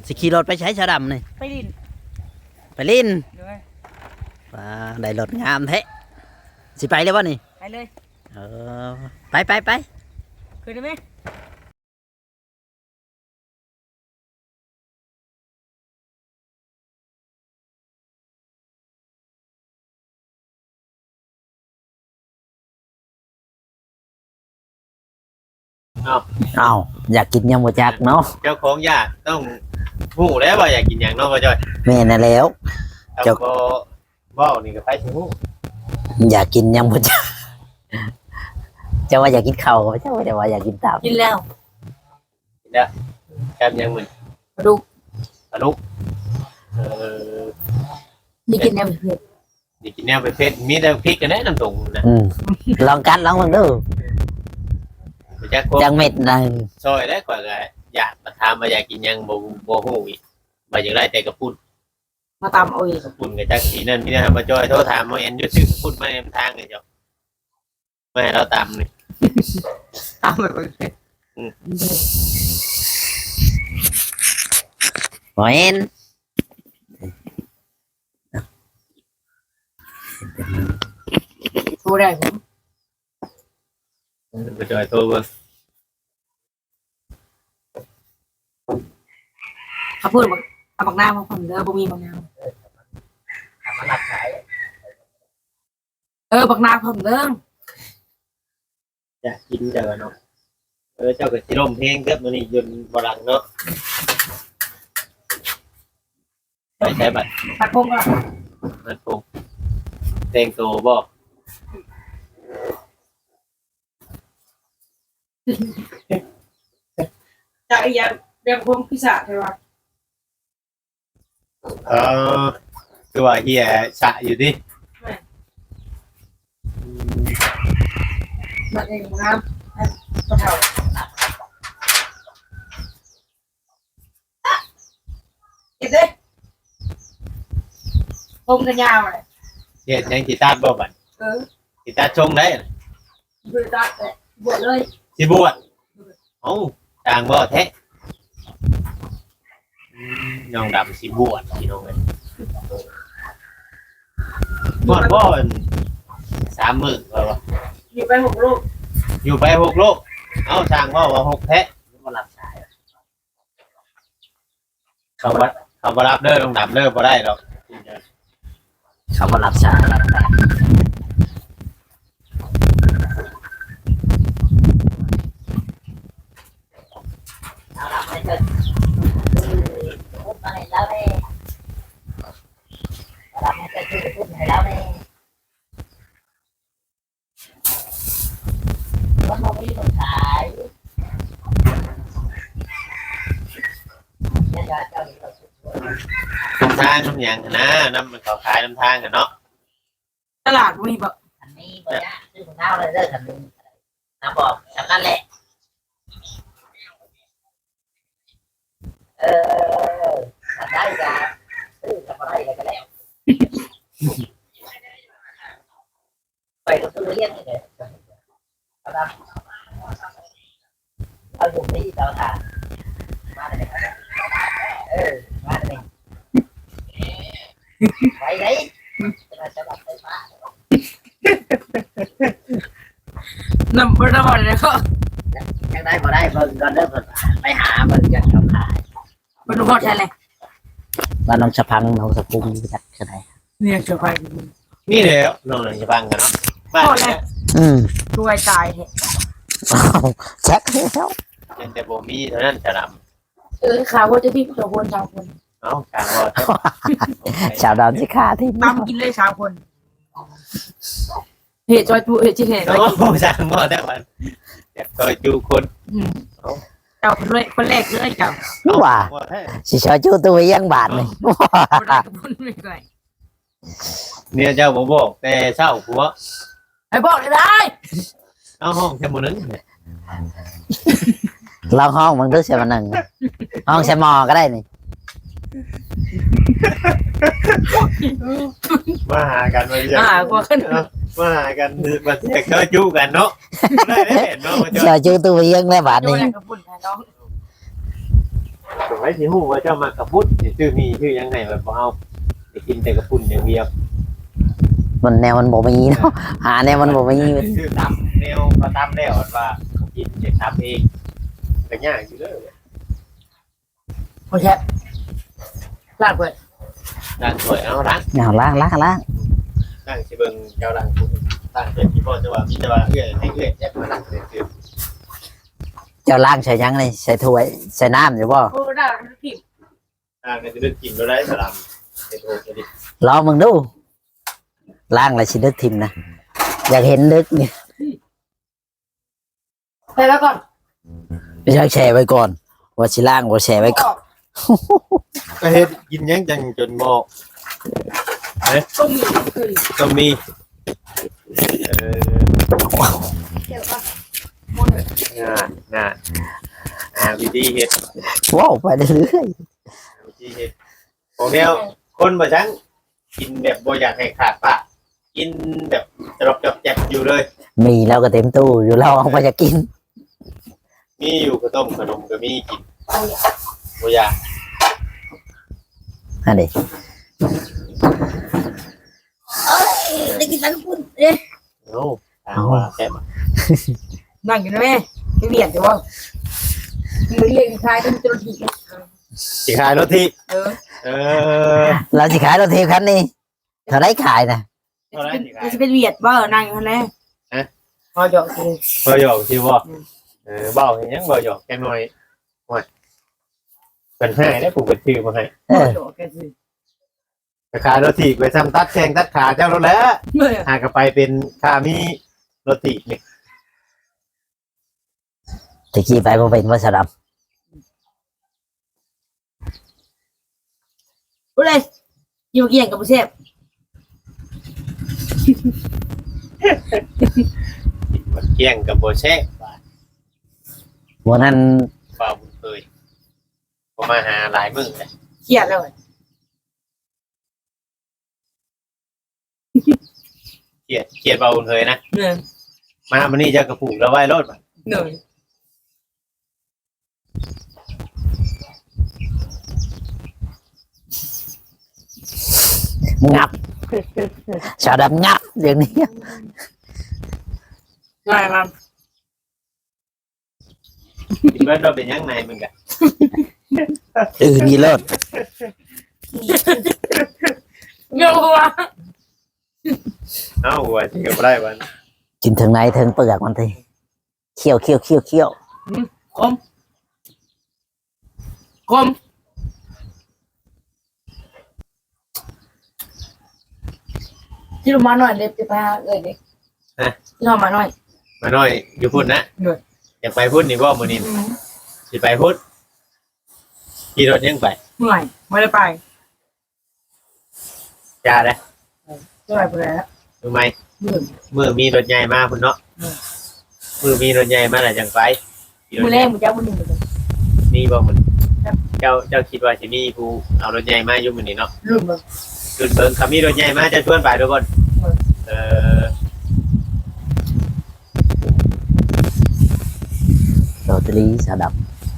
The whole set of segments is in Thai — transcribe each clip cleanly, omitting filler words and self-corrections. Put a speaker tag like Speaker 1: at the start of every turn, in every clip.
Speaker 1: สิขี่รถไปใช้ชาดำนี่
Speaker 2: ไปลิน
Speaker 1: ไปลิน
Speaker 2: เลย
Speaker 1: ได้รถงามแท้สิไปเลยวะนี่
Speaker 2: ไปเลย
Speaker 1: เออไป
Speaker 2: คืนได้ไหม
Speaker 1: เอาอยากกินยังบ่จักเนาะ
Speaker 3: เจ้าของอยากต้องหูแล้วว่าอยากกินอย่างเน้องพ่อจ้อย
Speaker 1: แม่น่ะแล้ว
Speaker 3: เจ้าก็บ่นี่ก็ไปสิหู
Speaker 1: อยากกินยังบ่จักเจ้าว่าอยากกินข้าวเจ้าว่าอยากกินตับ
Speaker 2: กินแล้ว
Speaker 3: กินแล้วแซ่บยังมึง
Speaker 2: ปลาดุก
Speaker 3: เออ
Speaker 2: นี่กินแนวเผ็ด
Speaker 3: นี่กินแนวเผ็ดมีแต่พริกกันแน่น้ำตรงนะ
Speaker 1: ลองกันลองเบิ่งดูจังเม็ดนึง
Speaker 3: ซอยได้กว่าก็อยากมาถามว่าอยากกินยังบ่ฮู้อีกว่าอย่างไรแต่กระปุ่น
Speaker 2: มาตำเอาอีก
Speaker 3: กระปุ่นกับจักสีนั่นพี่นะมาจอยโทรถามว่าเอ็นอยู่ชื่อกระปุ่นมาเอ็มทางไงเจ้าไม่ให้เราตามนี่
Speaker 2: ตำแบบ
Speaker 1: บ่เห็น
Speaker 2: โทรได้ผม
Speaker 3: มาจอยโทรบ่
Speaker 2: เขาพูดว่าเอาบักหน้ามาผมเด้อบ่มีบักหน้าบักหน้าผมเด้อ
Speaker 3: อยากกินเจ้าเนาะเจ้าก็สิร้องเพลงเกิดมื้อนี้ยนบ่หลังเนาะไปใช้บัตร
Speaker 2: ตัดพงก็
Speaker 3: บัตรพงเพลงโตบ่
Speaker 2: จากอีหยังแบบพงพิศาใช่ป่ะ
Speaker 3: คือว่าเฮียสะอยู่ดิ
Speaker 2: บัดนี้น้ำกระเทาเก็บเลยพงกันยาวเลย
Speaker 3: เฮียยังกีตาร์บ่บัดกีตาร์ชงได้
Speaker 2: บวชเลยบวชเลย
Speaker 3: สิบวชเอ้าต่างบ่แท้น้องดำสิบวชพี่น้องเอ้ยบวชบ่3 มื้อว่า
Speaker 2: อยู่ไป6 ลูก
Speaker 3: อยู่ไป6 ลูกเอ้าช่างว่า6แท้บ่รับสายเขาบ่รับเด้อน้องดำเด้อบ่ได้ดอก
Speaker 1: เขาบ่รับสาย
Speaker 3: ทางน้ำอย่างนะน้ำมันเขาขายน้ำทางกันเนาะ
Speaker 2: ตลาดมีบ่
Speaker 1: อันนี้บ่ได้ซื้อของเราเลยเด้อคันนึงน้ำบอกสำคัญแหละได้จ้ะซื้อกับอะไรก็แล้วไปก็ซื้อเลี้ยงนี่แหละเอาอยู่ที่เราทานมาเลยมาเลยไปไหนจะรับไปมา
Speaker 2: น้ำบ่ได้เลยก็
Speaker 1: ยังได้บ่ได้เบิ่งก่อนเด้อไปหาเบิ่งจักเขาขาย
Speaker 2: บ่รู้ว่าใช่เลย
Speaker 1: บ้านน้องสะพังน้องสะพุงจักเท่าใด
Speaker 2: เนี่ยจะไป
Speaker 3: นี่แหละน้องจะฟังกันเนาะบ้านเนี่ย
Speaker 2: ช่วยตายแท้
Speaker 1: จักแล้ว
Speaker 3: แต่บ่มีเท่านั้นจะน
Speaker 2: ำข่าวว่าจะพี่2 คน3 คน
Speaker 3: เอ้ากลางว่า
Speaker 1: ชาวดำสิขาที่
Speaker 2: ตำกินเลย3 คนเหตุจอยจูเหตุที่เหตุ
Speaker 3: โอ้ช่างว่าแต่วันอยากจอยจูคน
Speaker 2: เจ้าคนแรกเลยเจ้า
Speaker 1: ว่าสิชอยจูตัวยังบาทนี่
Speaker 3: เนี่ยเจ้าบ่บอกแต่เช้าผัว
Speaker 2: ไอ้บอกได้
Speaker 3: เอาห้องแค่มื้อนึง
Speaker 1: ลองห้องมึงดูเสียมันหนึ่งห้องเสียมอก็ได้นี่
Speaker 3: มาหากันมาเยอะมาหากันมาแจกเจ้าจู้กันเนาะได้เนาะ
Speaker 1: เจ้าจู้ตัวยังได้บาทนี่
Speaker 3: สมัยสิฮู้ว่าเจ้ามักกระพุ้นสิชื่อมีชื่อยังไงแบบบ่เอาสิกินแต่กระพุ้นอย่างเดียว
Speaker 4: มันแนวมันบ่มีเนาะหาแนวมันบ่มี
Speaker 3: ชื่อตำแนวก็ตำแล้วว่ากินจะทำเองก็ยากอยู่เด้อ
Speaker 2: โอเคลาดเปิด
Speaker 3: ร้านสวยเอาร้าน
Speaker 4: เอาล้าง
Speaker 3: ร้านสิเบิ่งเจ้าร้านคุณร้านเป็นที่พ่อจะว่ามีแต่ว่าเอื้อยให้เอื้อยแยกมาร้านคือ
Speaker 4: เจ้าล้างใส่หยังนี่ใส่ถ้วยใส่น้ำอยู่บ่
Speaker 2: โอ้ได้ผิด
Speaker 3: ร้านก็จะได้กินบ่ได้สลัมเป็นโอ้จะดิ
Speaker 4: ลองมึงดูล้างแล้วสิดึกทิ่มนะอยากเห็นดึกนี่
Speaker 2: ไปแล้วก่อน
Speaker 4: ไม่ใช่แช่ไว้ก่อนว่าสิล้างบ่แช่ไว้ก่อน
Speaker 3: ก็เฮ็ดกินยังจังจนบอก
Speaker 2: ก็มีคือ
Speaker 3: ก็มีเออ
Speaker 2: เดี๋ยวก่อน
Speaker 3: งานวิธีเฮ็ด
Speaker 4: ว้าวไปเรื่อย
Speaker 3: วิธีเฮ็ดของแนวคนบ่จังกินแบบบ่อยากให้ขาดปากกินแบบจรบจบแจบอยู่เลย
Speaker 4: ๆมีแล้วก็เต็มตู้อยู่เราเอาไปจะกิน
Speaker 3: มีอยู่ข้าวต้มขนมก็มีกินบ่อยาก
Speaker 4: อันนี้
Speaker 2: ได้กินทั้งคุณเอ๊ะ
Speaker 3: เอาถามว่าแซ่บ
Speaker 2: นั่งอยู่นะแม่ไม่เบียดเดี๋ยวว่าไม่เรียกใครต้องจุลที
Speaker 3: สิขายรถที่
Speaker 2: เออ
Speaker 3: เออ
Speaker 4: เราสิขายรถเทปคันนี้เท่าไรขายนะ
Speaker 2: จะเป็นเบียดว่านั่งอยู่นะพอหยอกคือ
Speaker 3: บ่หยอกสิบ่เบาเห็นยังบ่หยอกแค่น้อยโอ้ยเป็นให้ได้ผูกเป็นชื่อมาให้
Speaker 4: เออ
Speaker 2: หยอกแกคือ
Speaker 3: ขายรถที่ไปซ้ำตัดแข่งตัดขาเจ้ารถแล้ว
Speaker 2: เมื่อ
Speaker 3: หากไปเป็นค่ามีรถที่นี่
Speaker 4: ตะกี้ไปบ่เป็นว่าสะด
Speaker 2: รู้เลยอยู่เกี่ยงกับผู้เชฟ
Speaker 3: มันเกี่ยงกับโบเช่
Speaker 4: ำวันนั้น
Speaker 3: เปล่าบุญเคยผมมาหาหลายมื้อเลย
Speaker 2: เครียดแล้ว
Speaker 3: เครียดเปล่าบุญเคยนะ
Speaker 2: เหนื่อย
Speaker 3: มามันนี่จะกระปุกแล้วไว้รถมา
Speaker 2: เหนื่อย
Speaker 4: งับสะดำงับเดี๋ยวนี้
Speaker 2: ง่ายมาก
Speaker 3: คิดว่าเราเป็นยังไงมึงกัน
Speaker 4: นี่เลิศ
Speaker 2: เงาหัว
Speaker 3: เอ้าว่าจะกับไรวัน
Speaker 4: กินถึงไหนถึงเปลือกมันทีเคี่ยว
Speaker 2: คมคมที่ลงมาหน่อยเด็กจะพาเอ้ยเด็กที่ลงมาหน่อย
Speaker 3: มาหน่อยอยู่พุ่นนะอยากไปพุ่นนี่บ่มื้อนี้สิไปพุ่นขี่รถยังไป
Speaker 2: เหนื่อยไม่ได้ไป
Speaker 3: จ้าเด้อ
Speaker 2: ไม่ได้ไปแล้ว
Speaker 3: รู้ไหม
Speaker 2: เหนื่อย
Speaker 3: มือมีรถใหญ่มาพุ่นเนาะมือมีรถใหญ่มาแล้วจังไป
Speaker 2: มือแรกมือเจ้ามือหนึ่งเลย
Speaker 3: มีบ่มื้อเจ้าคิดว่าสิมีผู้เอารถใหญ่มาอยู่มื้อนี้เนาะ
Speaker 2: ลืมเลย
Speaker 3: จุดเบิ่งคำมีรถใหญ่มาจะชวนไปทุกคนเออ
Speaker 4: โรตารีสะด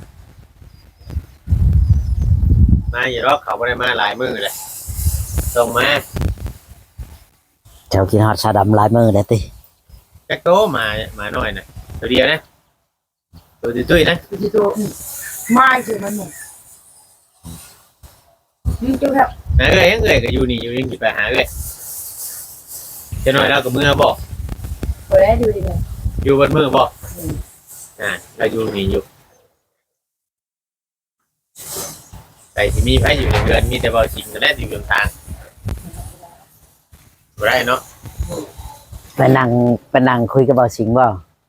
Speaker 3: มาอยู่รอบเขาบ่ได้มาหลายมื้อเลยส่งมา
Speaker 4: ำเจ้ากินฮอดสะดำลายมือได้ติ
Speaker 3: จักโตมาหน่อยนะตัวเดียวนะตัวตุ้ยๆนะ
Speaker 2: คือตัวไม่คือมันหนึ่งนี่เจ้าครับ
Speaker 3: เอ้ยก็อยู่นี่อยู่นี่สิไปหาเอ้ยจะหน่อยเราก็มือบอก
Speaker 2: เปิดได้ดูดีเลย
Speaker 3: อยู่บนมือบอกเราอยู่นี่อยู่แต่ที่มีไผอยู่ในเรือนมีแต่บ่สิงก็ได้อยู่ตรงทางบ่ได้เนาะ
Speaker 4: ไปนั่งคุยกับเบาสิงบ่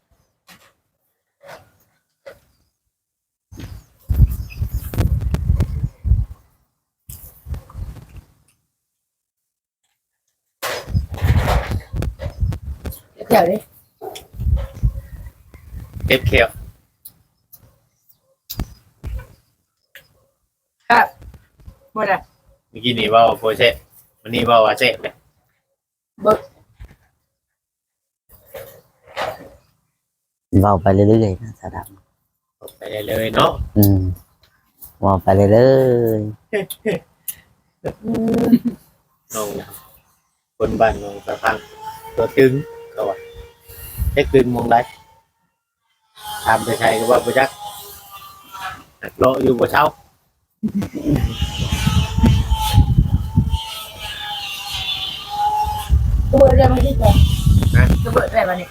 Speaker 2: เดี๋ยวดิ
Speaker 3: เก็บเขียว
Speaker 2: ครับหมดอ่ะ
Speaker 3: เมื่อกี้นี่ว่าโปรเซสวันนี้ว่าเซฟเลย
Speaker 2: เบิก
Speaker 4: เว้าไปเรื่อยๆนะสะด
Speaker 3: ไปเลยเนาะ
Speaker 4: ำมองไปเลยเลย
Speaker 3: น้องคนบ้านน้องสะพังตัวตึงเขาว่าแค่ตึงมองได้ทำไปใช่ก็ว่าไปจักโลอยู่บ่เช้า
Speaker 2: ตัวเรื่องไม่ได้เลยจะเปิดได้ปะเนี่ย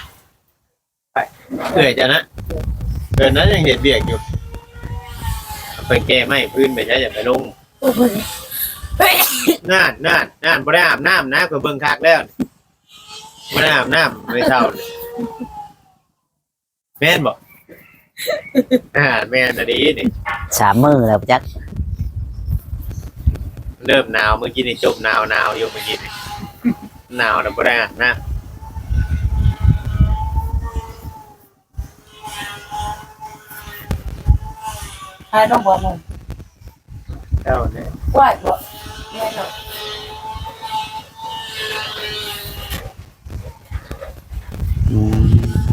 Speaker 3: เอื่อยจ้ะนะเดือนนั้นยังเด็ดเบียกอยู่ไปแก้ไม่พื้นไปใช้อย่าไปลง
Speaker 2: โอ้ย
Speaker 3: น่านบ่ได้อาบน้ำนะก็เบิ่งคักแล้วบ่ได้อาบน้ำไม่เท่าเลยแม่นบ่แม่นอันนี้นี่
Speaker 4: 3 มื้อแล้วจัก
Speaker 3: เริ่มหนาวเมื่อกี้นี่จบหนาวอยู่เมื่อกี้นี่หนาวแล้วบ่ได้อาบน้
Speaker 2: ต้องบอกมึง
Speaker 3: ำเจ้าเนี่ย
Speaker 2: ว่าบอกแม่เนาะ
Speaker 4: อืม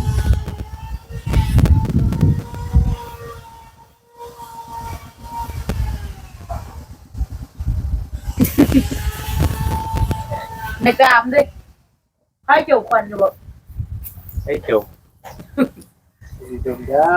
Speaker 2: ในกรามด้วยให้จุกคนอยู่บอก
Speaker 3: ไอ้จุกจุกเจ้า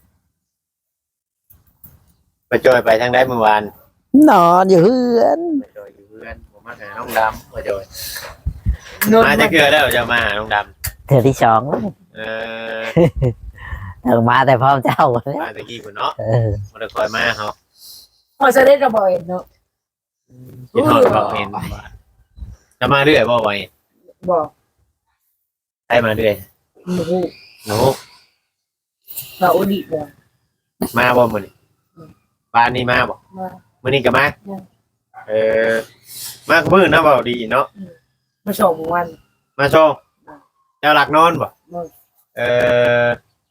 Speaker 3: ไปจอยไปทางใดเมื่อวาน
Speaker 4: นอนอยู่เฮือน
Speaker 3: ไปจอยอยู่เพื่อนผมมาหาน้องดำมาจอย
Speaker 2: นอน
Speaker 3: มาจะเกลือแล้วจะมาหาน้องด
Speaker 4: เทื่อที่2แล้ว
Speaker 3: ำ
Speaker 4: ถึงมาแต่พร้อมเจ้าแล้ว
Speaker 3: มาตะกี้คุณเนาะ
Speaker 4: เออ
Speaker 3: มาคอยมาเขา
Speaker 2: พอจะได้ระบายเนาะ
Speaker 3: คิดทอดบอกเห็นจะมาเรื่อยบ่ไว้
Speaker 2: บอก
Speaker 3: ให้มาเรื่อย
Speaker 2: หนู
Speaker 3: หนู
Speaker 2: เราอุดิบอก
Speaker 3: มาบ่มื้อนี้บ้านนี้มาบ่
Speaker 2: มา
Speaker 3: มื้อนี้ก็มา
Speaker 2: อืม
Speaker 3: มากับมื้อนะเว้าดีเนาะ
Speaker 2: มาส่งวัน
Speaker 3: มาโชว์เจ้าหลักนอนบ่
Speaker 2: มา
Speaker 3: เออ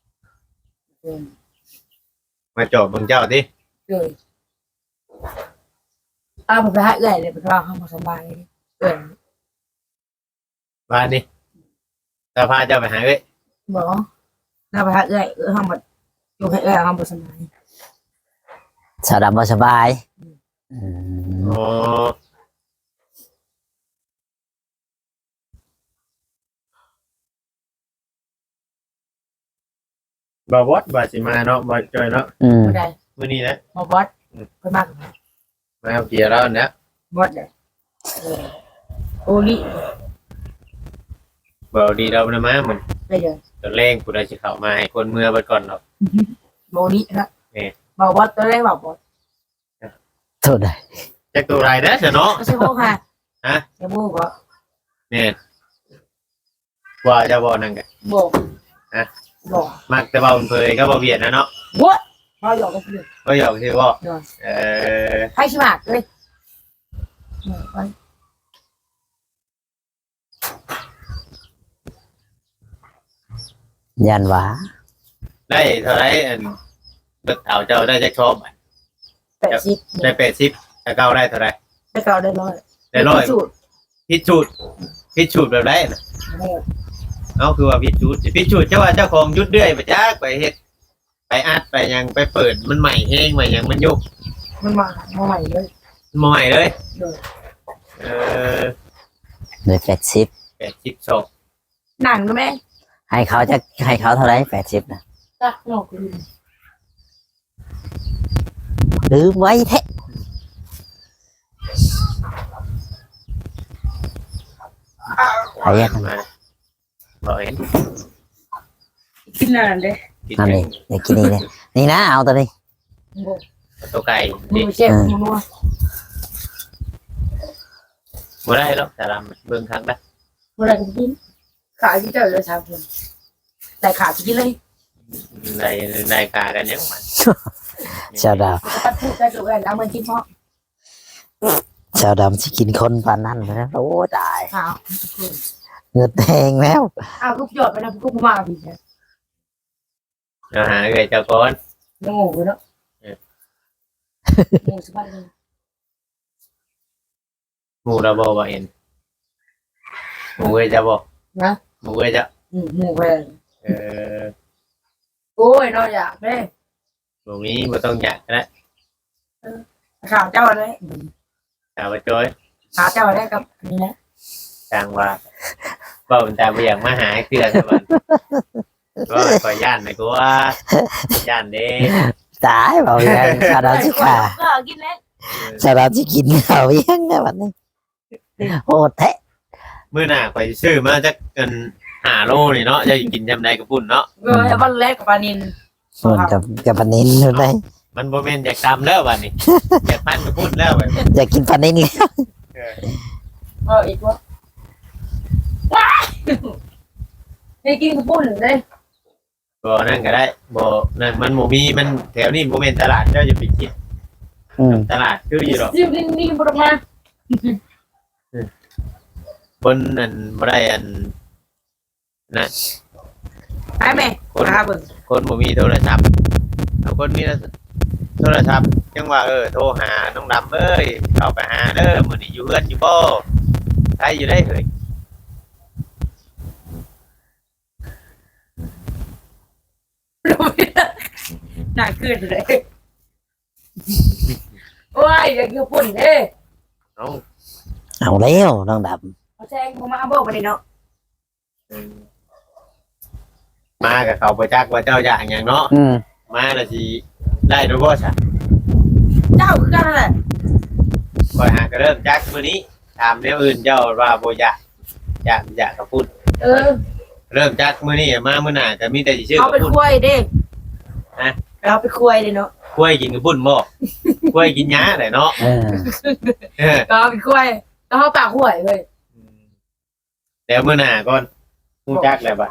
Speaker 3: มาจอบเบิ่งเจ้าติ
Speaker 2: เลยเอาไปหาเอื่อยเลยไปว่าเขามาสบายเอื่อย
Speaker 3: บ้านนี้จะพาเจ้าไปหาเอ้ย
Speaker 2: บอกเราไปหาเอื่อยเขามาอยู่ให้เอื่อยเขามาสบาย
Speaker 4: สาวดำบ่สบายอืม
Speaker 3: อ๋อบ่วอดบ่สิมาเนาะบ่จอยเนาะ
Speaker 4: อืม
Speaker 2: ไม่ได้
Speaker 3: มื้อนี้นะ
Speaker 2: มาบอสไปมาก
Speaker 3: มาเอาเกียร์แล้วนะ
Speaker 2: บอสเลยโอลิ
Speaker 3: บ่ดีเรานะมาเหมือน
Speaker 2: ได้เลย
Speaker 3: ตอนแรกผู้ใดสิเข้ามาให้คนเมื่อไปก่อนเนาะ
Speaker 2: โอลินะบอกบอสตัวแรกบอกบอส
Speaker 4: โทษได้
Speaker 3: จักตัวไรนะเนาะ
Speaker 2: ไม่ใช่พวกค่ะ
Speaker 3: ฮะ
Speaker 2: จะพูดบอก
Speaker 3: เนี่ยว่าจะบ่นั่นกัน
Speaker 2: บอกบอก
Speaker 3: มักแต่ว่าเผยก็บ่เวียดนะเนาะ
Speaker 2: วัดเราหยอกกันเลย
Speaker 3: ก็อยากสิบ่เออ
Speaker 2: ให้ชิมากเลย
Speaker 4: ยันหวา
Speaker 3: ได้เท่าไหร่อันเบิดเอาเจ้าได้จักชอบ
Speaker 2: 80
Speaker 3: ได้80ถ้าเก้าได้เท่าไหร่
Speaker 2: ได้เก่าได้ร้อย
Speaker 3: ได้ร้อย
Speaker 2: สูตร
Speaker 3: พิสูจน์แบบไรน่ะเอาคือว่าพิสูจน์เจ้าว่าเจ้าของยุดเรื่อยไปจักไปเฮ็ดไปอัดไปหยังไปเปิดมันใหม่เฮงใหม่หยังมันยุก
Speaker 2: มันมาใหม่เลย
Speaker 3: มันใหม่เลย
Speaker 2: เลย
Speaker 3: เออ
Speaker 4: เลย80
Speaker 3: 82
Speaker 2: หนังนะแม่
Speaker 4: ให้เขาเท่าไหร่80นะ
Speaker 2: จ้ะหนอกลืม
Speaker 4: ลืมไว้แท้ ไปยัง
Speaker 3: มาบ่เห็น
Speaker 2: กินนานเลย
Speaker 3: กิน
Speaker 4: นั่นนี่เดี๋ยวกินนี่เลยนี่นะเอาตัวนี้
Speaker 3: ตัวไก่
Speaker 2: มื
Speaker 3: นี่
Speaker 2: อเจ็บมือนัว
Speaker 3: บ่ได้หรอกแต่ละเบิ่งครั้งได้
Speaker 2: เมื่อไรกินขาที่เจอเลย3 คนแต่ขาที่เลย
Speaker 3: ได้คากันยังมัน
Speaker 4: ชาวด
Speaker 2: ปัดพูดได้ตัวแล้วมันกินเพราะ
Speaker 4: ำชาวดำสิกินคนปานนั้นนะโอ้ตาย
Speaker 2: อ้าว
Speaker 4: เงือดแดงแล้ว
Speaker 2: อ้าวลูกหยอดไปนะลูกมาผิดนะ
Speaker 3: เอาหาเอ้ยเจ้าก่อน
Speaker 2: งงเลยเนาะงงสบายเลย
Speaker 3: หมู่เราบ่เห็นหมู่เอ้ยจะบ่
Speaker 2: นะ
Speaker 3: หมู่เอ้ยจะ
Speaker 2: งงไป
Speaker 3: เออ
Speaker 2: โอ้ยนอนอยากแม่
Speaker 3: บ่มีบ่ต้องอยากนะ
Speaker 2: ข่าวเจ้าเลย
Speaker 3: แต่ว่าจอย
Speaker 2: ข่าวเจ้าได้กับนี่นะ
Speaker 3: จังว่าเบ้าแต่บ่อยากมาหาเตือนมันก็ขอย่านหน่อยกูว่าย่านเด้
Speaker 4: ตายบอกยังชาดาสิค่ะ
Speaker 2: ก็กินแล้ว
Speaker 4: ชาดาสิกินเขายังไงวันนี้โหดแท้
Speaker 3: มื้อหน้าข่อยสิซื้อมาจักกัน5 โลนี่เนาะจะกินจำได้กับปุ่นเนาะ
Speaker 2: วันแรกกับปานิน
Speaker 4: ส่วนกับปลานินอยู่ไหน
Speaker 3: มันบ่แม่นอยากตำแล้วบัดนี้อยากปั้นกับปุ่นแล้วบัดนี้
Speaker 4: อยากกินปลานินเลย
Speaker 2: อีกว่าให้กินกระปุ้นเลย
Speaker 3: บ่นั่นก็ได้บ่นั่นมันบ่มีมันแถวนี้บ่แม่นตลาดเจ้าอย่าไปคิด ตลาดคืออยู่หรอก
Speaker 2: ซิมนี่บรมา
Speaker 3: บนอันบ่ได้อันนะ
Speaker 2: ไปไหมมาเบิ่ง
Speaker 3: คนบ่มีโทรศัพท์เอาคนมีโทรศัพท์จังว่าโทรหาน้องดำเอ้ยเข้าไปหาเด้อมื้อนี้อยู่เฮือนอยู่บ่ใครอยู่ได้เอ่ย
Speaker 2: หนักขึ้นเลยโอ้ยอยากกินปุ่นเด้
Speaker 3: น้อง
Speaker 4: เอาแล้วน้องด
Speaker 2: เขาแจ้งมาบอกไปเนาะ
Speaker 3: มากับเขาบ่จักว่าเจ้าอย่างหยังเนาะ
Speaker 4: ำ
Speaker 3: มาแล้วสิได้ดอกบ่ซะ
Speaker 2: เจ้าคือกันแหละ
Speaker 3: ค่อยหาก็เริ่มจักมื้อนี้ถามแนวอื่นเจ้าว่าบ่อยากกับพูด เริ่มจักมื้อนี้มามื้อหน้าก็มีแต่สิชื่อ
Speaker 2: เอา
Speaker 3: กับ
Speaker 2: ไป
Speaker 3: พูด
Speaker 2: คุยเด้เราไปคุยเลยเนาะ
Speaker 3: กล้วยกินกับปุ่นบ่กล้วยกินหญ้าได้เนาะ เออ
Speaker 2: ก็ไปคุยก็เขาปากหวยเลย
Speaker 3: แล้วมื้อหน้าก่อนฮู้จักแล้วบัด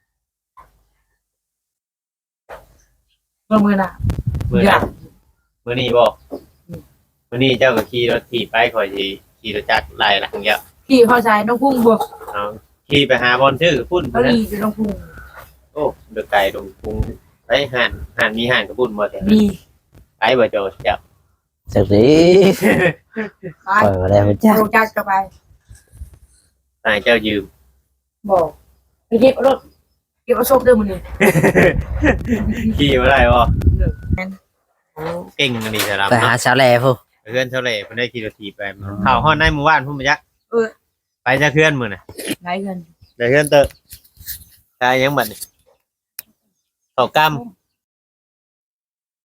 Speaker 2: มือน่ะ
Speaker 3: มื้อหน้ามื้อนี้บ่มื้อนี้เจ้าก็ขี่รถถีบไปข่อยสิขี่รถจักรไล่หลังเยอะ
Speaker 2: พี่เข้าใจน้องพุ่งบวก
Speaker 3: เอาขี่ไปหาบอลชื่อพุ่น
Speaker 2: เขาดีจะน้องพุ่ง
Speaker 3: โอ้เดือไก่ตรงพุงไปห่านมีห่านกับพุ่นบ่แต่
Speaker 2: ดี
Speaker 3: ไปบ่โจเจ้า
Speaker 4: จากนี้
Speaker 2: ไป
Speaker 4: เปิดแล้วจ้า
Speaker 2: ลงจากกันไป
Speaker 3: นายเจ้ายืม
Speaker 2: บอกไปเก็บรถเก็บเอาศพเดิมมันนี่
Speaker 3: ขี่บ่ได้บ่โอ้เก่งอันนี้สำหรับ
Speaker 4: ไปหา
Speaker 3: เนาะ
Speaker 4: ชาวแลผู้
Speaker 3: เพื่อนเท่าไหร่เพิ่นได้ขี่รถถีบไปเข้าฮ้อนในหมู่บ้านพุ่นบ่จักไปจักเพื่อนมื้อน่ะ
Speaker 2: ไรเงิน
Speaker 3: ได้เพื่อนเตอะตายยังบัดนี้เข้ากำ